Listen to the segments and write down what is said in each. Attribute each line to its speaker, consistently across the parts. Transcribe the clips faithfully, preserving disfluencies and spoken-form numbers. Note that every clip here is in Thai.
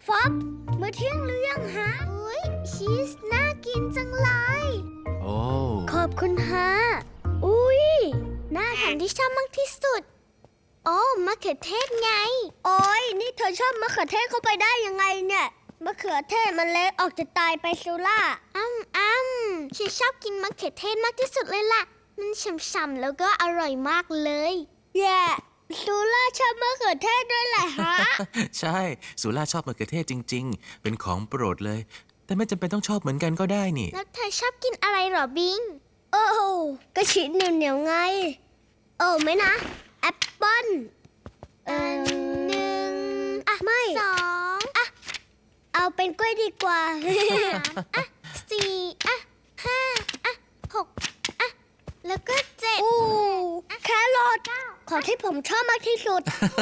Speaker 1: ฟอบมื้อเที่ยงหรือยังฮะอุ้ยชีสน่ากินจังเลย
Speaker 2: โอ้
Speaker 1: ขอบคุณฮะอุ้ยน่าอาหารที่ชอบมากที่สุดโอ้มะเขือเทศไงโอ้ยนี่เธอชอบมะเขือเทศเข้าไปได้ยังไงเนี่ยมะเขือเทศมันเล็กออกจะตายไปซิล่าอ้ำอ้ำฉันชอบกินมะเขือเทศมากที่สุดเลยล่ะมันฉ่ำๆแล้วก็อร่อยมากเลยแย่ซูล่าชอบมะเขือเทศด้วยแหละฮะ
Speaker 2: ใช่สุล่าชอบมะเขือเทศจริงๆเป็นของโปรดเลยแต่ไม่จำเป็นต้องชอบเหมือนกันก็ได้นี่
Speaker 1: แล้วเธอชอบกินอะไรหรอบิงโอ้ก็ชีสเหนียวๆไงโอ้ไม่นะแอปเปิ้ลเอ่อหนึ่งอ่ะไม่สองอ่ะเอาเป็นกล้วยดีกว่าอ่ะสี่อ่ะห้าอ่ะหกอ่ะแล้วก็เจ็ดอู้แครอทของที่ผมชอบมากที่สุด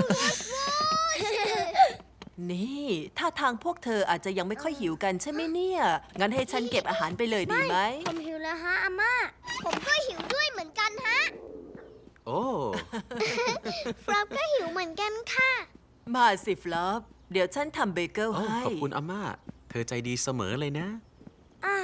Speaker 3: นี่ท่าทางพวกเธออาจจะยังไม่ค่อยหิวกันใช่ไหมเนี่ยงั้นให้ฉันเก็บอาหารไปเลยดีไหม
Speaker 1: ผมหิวแล้วฮะอาม่าผมก็หิวด้วยเหมือนกันฮะ
Speaker 2: โอ้
Speaker 1: ฟลอปก็หิวเหมือนกันค่ะ
Speaker 3: มาสิฟลอปเดี๋ยวฉันทำเบเกิลให้
Speaker 2: ขอบคุณอาม่าเธอใจดีเสมอเลยนะ
Speaker 1: อ่ะ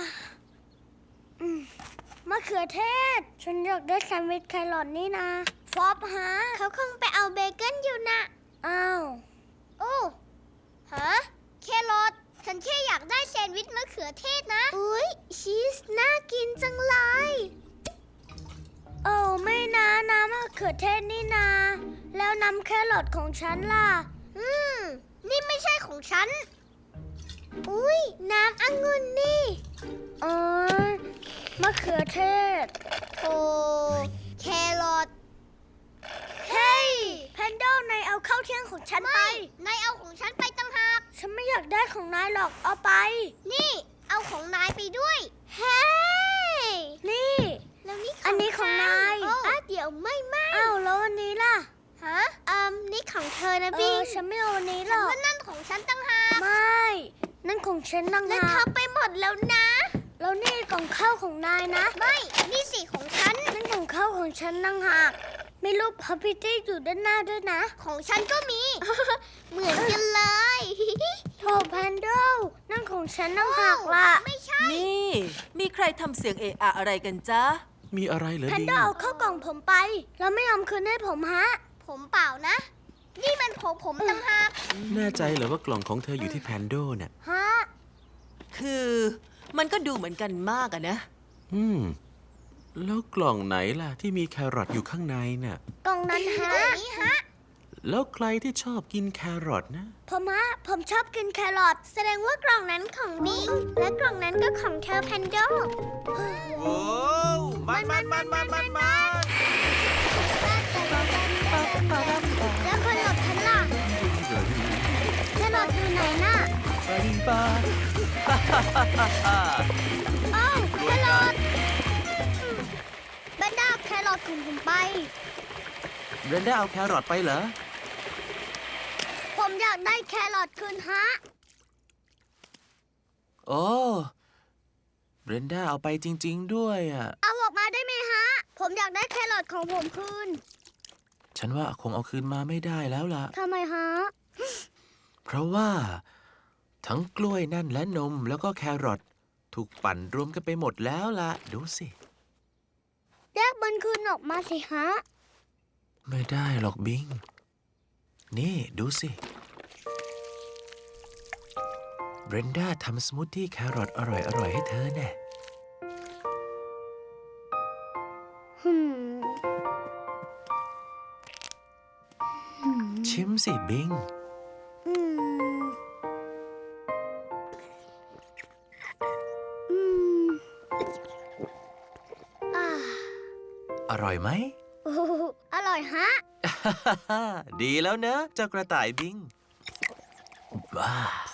Speaker 1: มะเขือเทศฉันอยากได้แซนด์วิชแครอทนี่นะฟลอปฮะเขาคงไปเอาเบเกิลอยู่นะอ้าวโอ้ฮะแครอทฉันแค่อยากได้แซนด์วิชมะเขือเทศนะอุ้ยชีสน่ากินจังเลยโอ้ไม่นะน้ำมะเขือเทศนี่นาแล้วน้ำแครอทของฉันล่ะอืมนี่ไม่ใช่ของฉันอุ้ยน้ำองุ่นนี่อ๋อมะเขือเทศโอ้แครอทเฮ้ยแพนโดนายเอาข้าวเที่ยงของฉันไปนายเอาของฉันไปตั้งหากฉันไม่อยากได้ของนายหรอกเอาไปนี่เอาของนายไปด้วยเฮ้ยนี่แล้วนี่อันนี้ของนายอ่ะเดี๋ยวไม่ไม่อ้าวแล้วอันนี้ล่ะฮะอืมนี่ของเธอนะพี่ฉันไม่เอาอันนี้หรอกฉันว่านั่นของฉันตั้งหากไม่นั่นของฉันตั้งหากแล้วเธอไปหมดแล้วนะแล้วนี่กล่องข้าวของนายนะไม่นี่สิของฉันนั่นของข้าวของฉันตั้งหากมีรูปพับพิตี้อยู่ด้านหน้าด้วยนะของฉันก็มี เหมือนกันเลยโถแพนโดนั่นของฉันตั้งหากล่ะไม่ใช่
Speaker 3: นี่มีใครทำเสียงเอะอะอะไรกันจ๊ะ
Speaker 2: มีอะไรเหรอ
Speaker 1: แพนโดเอาเข้ากล่องผมไปแล้วไม่ยอมคืนให้ผมฮะผมเปล่านะนี่มันของผมตั้งหาก
Speaker 2: แน่ใจเหรอว่ากล่องของเธออยู่ที่แพนโดเนี่ย
Speaker 1: ฮะ
Speaker 3: คือมันก็ดูเหมือนกันมากอะนะ
Speaker 2: อืมแล้วกล่องไหนล่ะที่มีแครอทอยู่ข้างในน่ะ
Speaker 1: กล่องนั้นฮะนี่ฮะ
Speaker 2: แล้วใครที่ชอบกินแครอทนะ
Speaker 1: ผมฮะผมชอบกินแครอทแสดงว่ากล่องนั้นของบิงและกล่องนั้นก็ของเธอแพนโด
Speaker 4: โอ้มันมันมันมันมันมัน
Speaker 1: แล้วคนหลบฉันล่ะแครอทอยู่ไหนน่ะอ้าวแครอทแบนด้าแครอทของผมไป
Speaker 2: เบรนด้าเอาแครอทไปเหรอ
Speaker 1: ผมอยากได้แครอทคืนฮะ
Speaker 2: โอ้เบรนด้าเอาไปจริงๆด้วยอ่ะ
Speaker 1: เอาออกมาได้ไหมฮะผมอยากได้แครอทของผมคืน
Speaker 2: ฉันว่าคงเอาคืนมาไม่ได้แล้วล่ะ
Speaker 1: ทำไมฮะ
Speaker 2: เพราะว่าทั้งกล้วยนั่นและนมแล้วก็แครอทถูกปั่นรวมกันไปหมดแล้วล่ะดูสิ
Speaker 1: แยกมันคืนออกมาสิฮะ
Speaker 2: ไม่ได้หรอกบิงนี่ดูสิเบรนด้าทำสมูทตี้แครอทอร่อยๆให้เธอแน่ชิมสิบิงอร่อยไหม
Speaker 1: อร่อยฮะ
Speaker 2: ดีแล้วเนอะเจ้ากระต่ายบิงว้า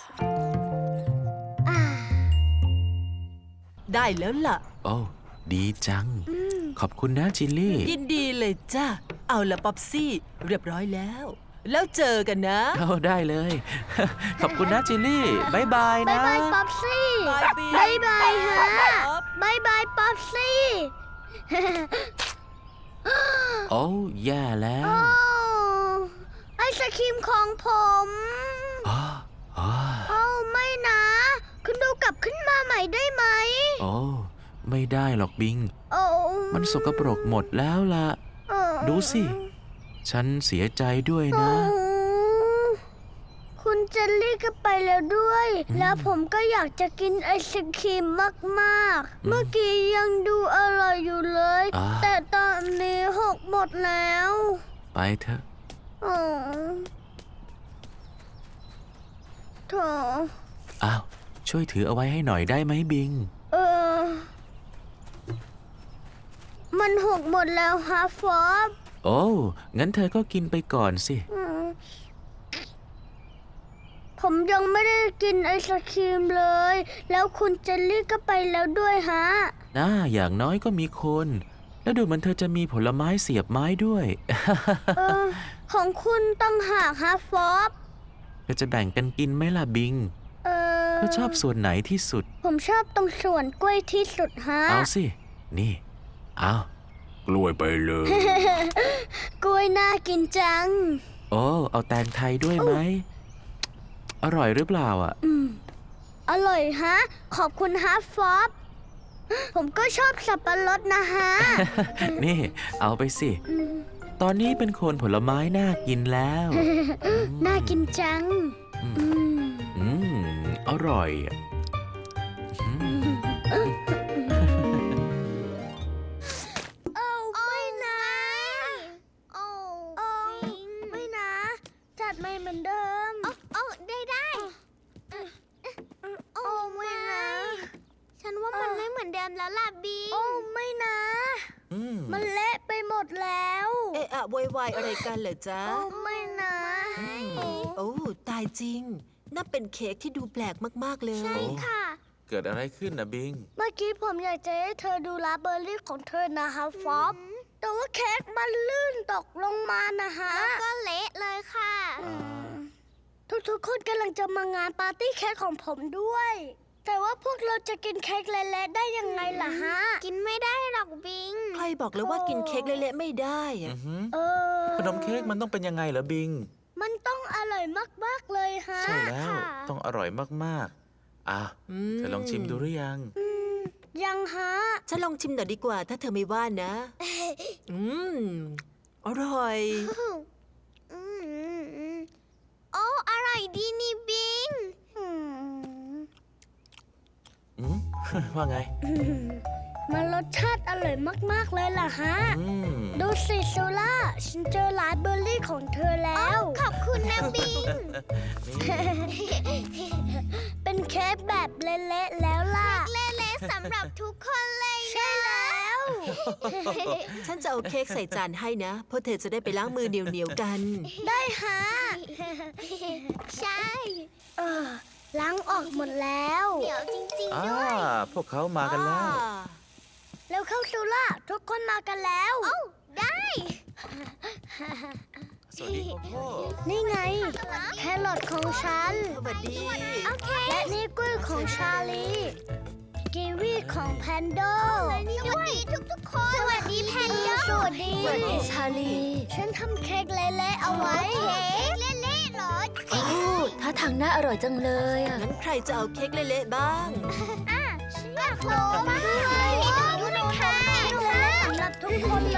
Speaker 3: ได้แล้วล่ะ
Speaker 2: โอ้ดีจังขอบคุณนะจิลลี่
Speaker 3: ยินดีเลยจ้ะเอาละป๊อปซี่เรียบร้อยแล้วแล้วเจอกันนะ
Speaker 2: เอาได้เลย ขอบคุณนะจิลลี่บายบายนะ
Speaker 1: บายบายป๊อปซี่บายบายฮะบายบายป๊อปซี่
Speaker 2: โอ้แย่แล้ว
Speaker 1: ไอศครีมของผม
Speaker 2: อ๋อ
Speaker 1: ม่ได้ไหม
Speaker 2: โอ้ไม่ได้หรอกบิง
Speaker 1: โอ้
Speaker 2: มันสกปรกหมดแล้วล่ะ
Speaker 1: เออ
Speaker 2: ดูสิ ฉันเสียใจด้วย
Speaker 1: โอ้
Speaker 2: นะ
Speaker 1: คุณเจลลี่ก็ไปแล้วด้วย แล้วผมก็อยากจะกินไอศครีมมากๆ เมื่อกี้ยังดูอร่อยอยู่เลย
Speaker 2: อ่า
Speaker 1: แต่ตอนนี้หกหมดแล้ว
Speaker 2: ไปเถอะ
Speaker 1: อ๋อโถ
Speaker 2: อ้าว ช่วยถือเอาไว้ให้หน่อยได้ไหมบิง
Speaker 1: เออ มันหกหมดแล้วฮะฟอบ
Speaker 2: โอ้ งั้นเธอก็กินไปก่อนสิ
Speaker 1: อืมผมยังไม่ได้กินไอศครีมเลย แล้วคุณเจลลี่ก็ไปแล้วด้วยฮะ
Speaker 2: น่า อย่างน้อยก็มีคน แล้วดูเหมันเธอจะมีผลไม้เสียบไม้ด้วย
Speaker 1: เออ ของคุณต้องหากฮะฟอบ
Speaker 2: เธอจะแบ่งกันกินไหมล่ะบิง
Speaker 1: เออ
Speaker 2: เธอชอบส่วนไหนที่สุด
Speaker 1: ผมชอบตรงส่วนกล้วยที่สุดฮะ
Speaker 2: เอาสิ นี่ เอากล้วยไปเลย
Speaker 1: กล้วยน่ากินจัง
Speaker 2: โอ้ เอาแตงไทยด้วยไหม อร่อยหรือเปล่าอ่ะ
Speaker 1: อืม อร่อยฮะ ขอบคุณฮะฟอบ ผมก็ชอบสับปะรดนะฮะ
Speaker 2: นี่ เอาไปสิ
Speaker 1: อืม
Speaker 2: ตอนนี้เป็นคนผลไม้น่ากินแล้ว
Speaker 1: น่ากินจัง
Speaker 2: อืม
Speaker 1: อืม
Speaker 2: อืม อร่อยอะอืม
Speaker 1: โอ้ไม่นะโอ้โอ้ไม่นะ จัดไม่เหมือนเดิม โอ้ได้ได้โอ้ไม่นะ ฉันว่ามันไม่เหมือนเดิมแล้วล่ะบีโอ้ไม่นะ
Speaker 2: อืม
Speaker 1: มันเละไปหมดแล้ว
Speaker 3: เอะอะโวยวายอะไรกันเหรอจ๊ะ
Speaker 1: โอ้ไม่นะ
Speaker 3: โอ้ตายจริงน่าเป็นเค้กที่ดูแปลกมากๆเลย
Speaker 1: ใช่ค่ะ
Speaker 2: เกิดอะไรขึ้นนะบิง
Speaker 1: เมื่อกี้ผมอยากจะให้เธอดูลาเบอร์รี่ของเธอนะฮะฟอบแต่ว่าเค้กมันลื่นตกลงมานะฮะ แล้วก็เละเลยค่ะ ทุกๆคนกำลังจะมางานปาร์ตี้เค้กของผมด้วย แต่ว่าพวกเราจะกินเค้กเละๆได้ยังไงล่ะฮะ กินไม่ได้หรอกบิง
Speaker 3: ใครบอกเลยว่ากินเค้กเละๆไม่ได้อะ
Speaker 2: อือหือ
Speaker 1: เออ
Speaker 2: ขนมเค้กมันต้องเป็นยังไงเหรอบิง
Speaker 1: มันต้องอร่อยมากๆเลยฮะ
Speaker 2: ใช่แล้ว
Speaker 1: ค่ะ
Speaker 2: ต้องอร่อยมากๆ อ่ะ
Speaker 3: ม
Speaker 2: เธอลองชิมดูหรือยัง
Speaker 1: อืมยังฮะ
Speaker 3: ฉันลองชิมหน่อยดีกว่า ถ้าเธอไม่ว่านะ อืม อร่อย
Speaker 1: อืมโอ้อร่อยดีนี่บิง
Speaker 2: อืม ว่าไง
Speaker 1: มันรสชาติอร่อยมาก ๆ เลยล่ะฮะ
Speaker 2: อืม
Speaker 1: ดูสิโซล่า ฉันเจอร้านเบอร์รี่ของเธอแล้ว ขอบคุณนะบิง
Speaker 2: นี่
Speaker 1: เป็นเค้กแบบเละๆแล้วล่ะ เละๆสำหรับทุกคนเลยใช่แล้ว
Speaker 3: ฉันจะเอาเค้กใส่จานให้นะ เพราะเธอจะได้ไปล้างมือเหนียวๆกัน
Speaker 1: ได้ฮะ ใช่ เออ ล้างออกหมดแล้ว เดี๋ยวจริง
Speaker 2: อ่า พวกเขามากันแล้ว
Speaker 1: แล้วเข้าซูล่า ทุกคนมากันแล้ว ได้
Speaker 2: สวัสดีโกโก้
Speaker 1: นี่ไง แครอทของฉัน
Speaker 3: สวัสดี
Speaker 1: และนี่กล้วยของชาลี กีวีของแพนโดสวัสดีทุกๆคน สวัสดีแพนโด สวัสดี
Speaker 3: สวัสดีชาลี
Speaker 1: ฉันทำเค้กเละๆเอาไว้ เค้กเละๆเหรอ
Speaker 5: โอ้ท่าทางน่าอร่อยจังเลยอ่ะ
Speaker 3: งั้นใครจะเอาเค้กเละๆบ้าง
Speaker 1: อ่ะฉันอยากลองมากเลยดูนะคะสำหรับทุกคนเลย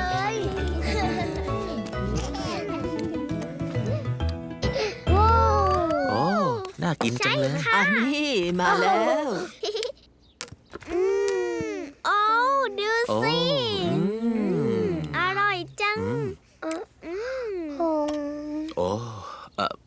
Speaker 1: ว้าว
Speaker 2: โอ้ น่ากินจังเลย
Speaker 3: อันนี้มาแล้ว
Speaker 1: อืมโอ้ดู
Speaker 2: โอ้
Speaker 1: สิ
Speaker 2: อืม
Speaker 1: อร่อยจัง
Speaker 2: อืม
Speaker 1: อืม
Speaker 2: โอ้เอ่อ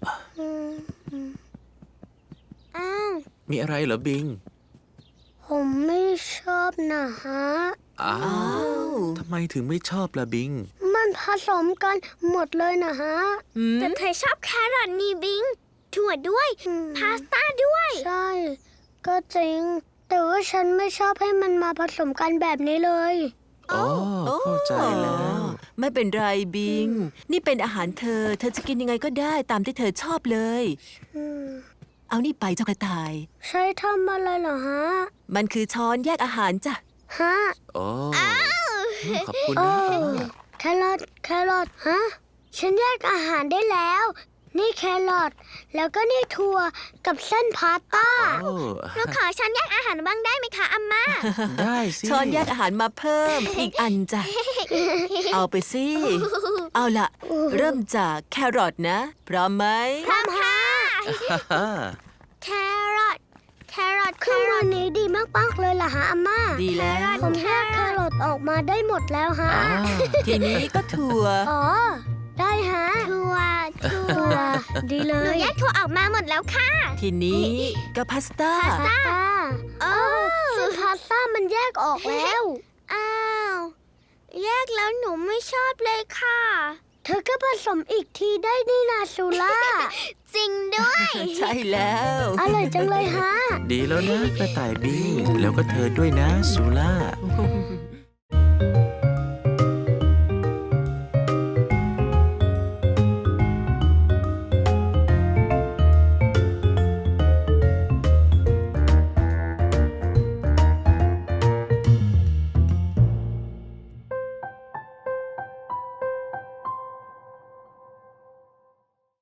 Speaker 1: อ้าว
Speaker 2: มีอะไรเหรอบิง
Speaker 1: ผมไม่ชอบนะฮะ
Speaker 2: อ้า
Speaker 3: อ้าว ว
Speaker 2: ทำไมถึงไม่ชอบล่ะบิง
Speaker 1: มันผสมกันหมดเลยนะฮะ
Speaker 3: อืม
Speaker 1: แต่เธอชอบแครอทนี่บิง ถั่วด้วย พาสต้าด้วย ใช่ ก็จริง แต่ว่าฉันไม่ชอบให้มันมาผสมกันแบบนี้เลย
Speaker 2: อ๋อ เข้าใจแล้ว
Speaker 3: ไม่เป็นไรบิง นี่เป็นอาหารเธอ เธอจะกินยังไงก็ได้ตามที่เธอชอบเลย
Speaker 1: อืม
Speaker 3: เอานี่ไปเจ้ากระต่าย
Speaker 1: ใช้ทำอะไรเหรอฮะ
Speaker 3: มันคือช้อนแยกอาหารจ้ะ
Speaker 1: ฮะ
Speaker 2: โอ้ขอบคุณ
Speaker 1: โอ้
Speaker 2: นะอ่า
Speaker 1: แครอทแครอทฮะ ฉันแยกอาหารได้แล้วนี่แครอทแล้วก็นี่ถั่วกับเส้นพาสต้า
Speaker 2: โอ้
Speaker 1: หนูขอช้อนแยกอาหารบ้างได้ไหมคะอาม่า
Speaker 2: ได้สิ
Speaker 3: ช้อนแยกอาหารมาเพิ่ม อีกอันจ้ะ เอาไปสิ เอาล่ะ เริ่มจากแครอทนะ พร้อมไหม
Speaker 1: พร้อมค่ะ
Speaker 2: ฮ่า
Speaker 1: แครอทแครอทเครื่องมือนี้ดีมากๆเลยล่ะฮะอาม่า
Speaker 3: ดีแล้ว
Speaker 1: ผมแยกแครอทออกมาได้หมดแล้วฮะ
Speaker 2: อ่า
Speaker 3: ทีนี้ก็ถั่ว
Speaker 1: อ๋อ ได้ฮะถั่วถั่วดีเลยหนูแยกถั่วออกมาหมดแล้วค่ะ
Speaker 3: ทีนี้ก็พาสต้า
Speaker 1: พาสต้าโอ้ซึ่งพาสต้ามันแยกออกแล้ว อ้าว แยกแล้วหนูไม่ชอบเลยค่ะ เธอก็ผสมอีกทีได้นี่นาซูล่า จริงด้วย
Speaker 3: ใช่แล้ว
Speaker 1: อร่อยจังเลยฮะ
Speaker 2: ดีแล้วนะกระต่ายบิงแล้วก็เธอด้วยนะซูล่า